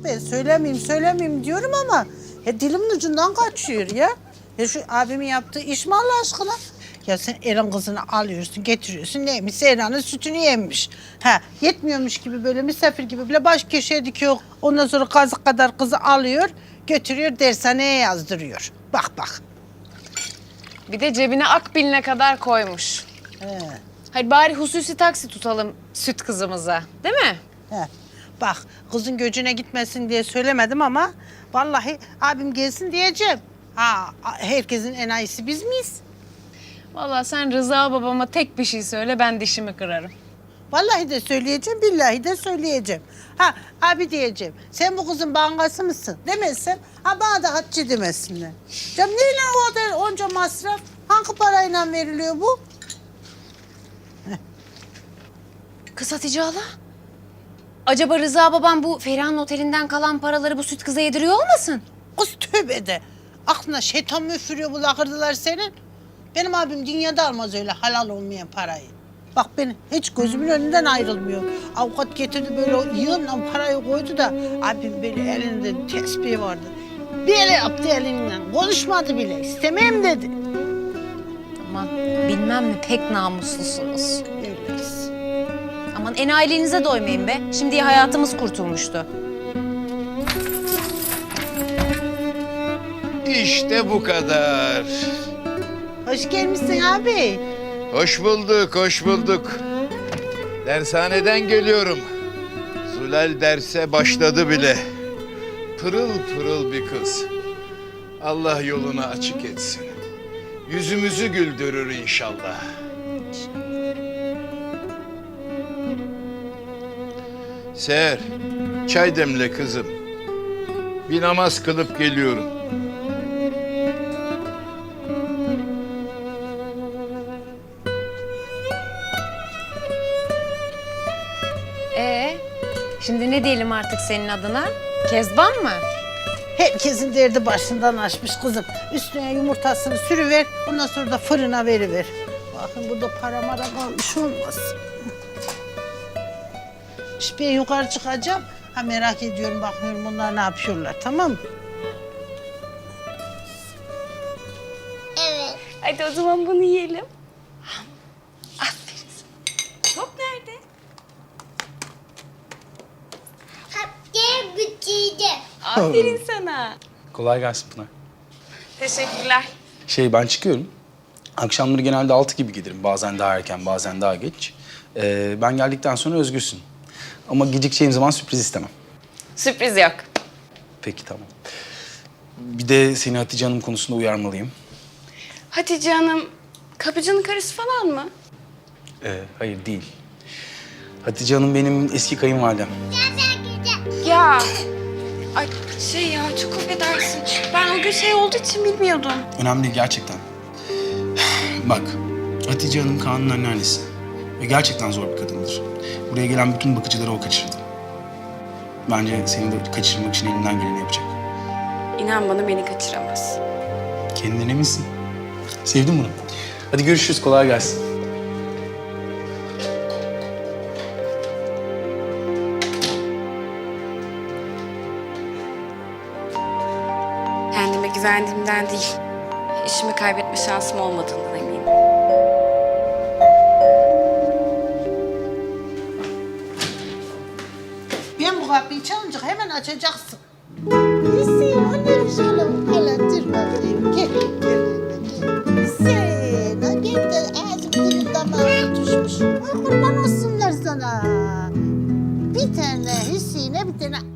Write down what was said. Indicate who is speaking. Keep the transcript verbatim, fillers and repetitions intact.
Speaker 1: ben söylemeyeyim söylemeyeyim diyorum ama ya dilimin ucundan kaçıyor ya. Ya şu abimin yaptığı iş mi Allah aşkına? Ya sen Eren kızını alıyorsun, getiriyorsun. Neymiş? Eren'in sütünü yemiş. Ha, yetmiyormuş gibi böyle misafir gibi bile baş köşeye dikiyor. Ondan sonra kazık kadar kızı alıyor, götürüyor dershaneye yazdırıyor. Bak bak.
Speaker 2: Bir de cebine akbiline kadar koymuş.
Speaker 1: He,
Speaker 2: Hadi bari hususi taksi tutalım süt kızımıza. Değil mi?
Speaker 1: he. Bak kızın göcüne gitmesin diye söylemedim ama vallahi abim gelsin diyeceğim. Ha, herkesin enayisi biz miyiz?
Speaker 2: Vallahi sen Rıza babama tek bir şey söyle ben dişimi kırarım.
Speaker 1: Vallahi de söyleyeceğim, billahi de söyleyeceğim. Ha abi diyeceğim, sen bu kızın bankası mısın demezsem, ha bana da Hatice demesinler. Canım neyle o kadar onca masraf? Hangi parayla veriliyor bu?
Speaker 2: Kız Hatice hala. Acaba Rıza babam bu Feriha'nın otelinden kalan paraları bu süt kıza yediriyor olmasın?
Speaker 1: Kız tövbe de. Aklına şeytan mı üfürüyor bu lakırdılar senin? Benim abim dünyada almaz öyle halal olmayan parayı. Bak benim hiç gözümün önünden ayrılmıyor. Avukat getirdi böyle o yığınla parayı koydu da abim böyle elinde tesbih vardı. Bir ele yaptı elinden. Konuşmadı bile. İstemem dedi.
Speaker 2: Aman bilmem mi pek namuslusunuz.
Speaker 1: Öyleyiz.
Speaker 2: Aman enayiliğinize doymayın be. Şimdiye hayatımız kurtulmuştu.
Speaker 3: İşte bu kadar.
Speaker 1: Hoş gelmişsin abi.
Speaker 3: Hoş bulduk, hoş bulduk. Dershaneden geliyorum. Zülal derse başladı bile. Pırıl pırıl bir kız. Allah yolunu açık etsin. Yüzümüzü güldürür inşallah. Seher, çay demle kızım. Bir namaz kılıp geliyorum.
Speaker 2: Ee, şimdi ne diyelim artık senin adına? Kezban mı?
Speaker 1: Herkesin derdi başından aşmış kızım. Üstüne yumurtasını sürüver, ondan sonra da fırına veriver. Bakın burada para mara kalmış olmaz. İşte ben yukarı çıkacağım. Ha merak ediyorum, bakıyorum bunlar ne yapıyorlar, tamam mı?
Speaker 2: Hadi o zaman bunu yiyelim. Aferin. Top nerede?
Speaker 4: Hatta bütçeydi.
Speaker 2: Aferin sana.
Speaker 5: Kolay gelsin Pınar.
Speaker 2: Teşekkürler.
Speaker 5: Şey ben çıkıyorum. Akşamları genelde altı gibi gelirim. Bazen daha erken, bazen daha geç. Ee, ben geldikten sonra özgürsün. Ama gecikeceğim zaman sürpriz istemem.
Speaker 2: Sürpriz yok.
Speaker 5: Peki tamam. Bir de seni Hatice Hanım konusunda uyarmalıyım.
Speaker 6: Hatice Hanım, kapıcının karısı falan mı?
Speaker 5: Ee, hayır değil. Hatice Hanım benim eski kayınvalidem.
Speaker 6: Ya, ay şey ya çok affedersin. Ben o gün şey olduğu için bilmiyordum.
Speaker 5: Önemli değil gerçekten. Bak, Hatice Hanım Kaan'ın anneannesi. Ve gerçekten zor bir kadındır. Buraya gelen bütün bakıcıları o kaçırdı. Bence seni de kaçırmak için elinden geleni yapacak.
Speaker 6: İnan bana beni kaçıramaz.
Speaker 5: Kendine eminsin. Sevdim bunu. Hadi görüşürüz, kolay gelsin.
Speaker 6: Kendime güvendiğimden değil, işimi kaybetme şansım olmadığından eminim.
Speaker 1: Ben bu kapıyı çalınca hemen açacaksın. Neyse, anne güzelim. Hele dur bakayım. Gel, gel, gel. Sen, ha gel de ağzım dilim damağım tutuşmuş. Ay kurban olsunlar sana. Bir tane Hüseyin'e bir tane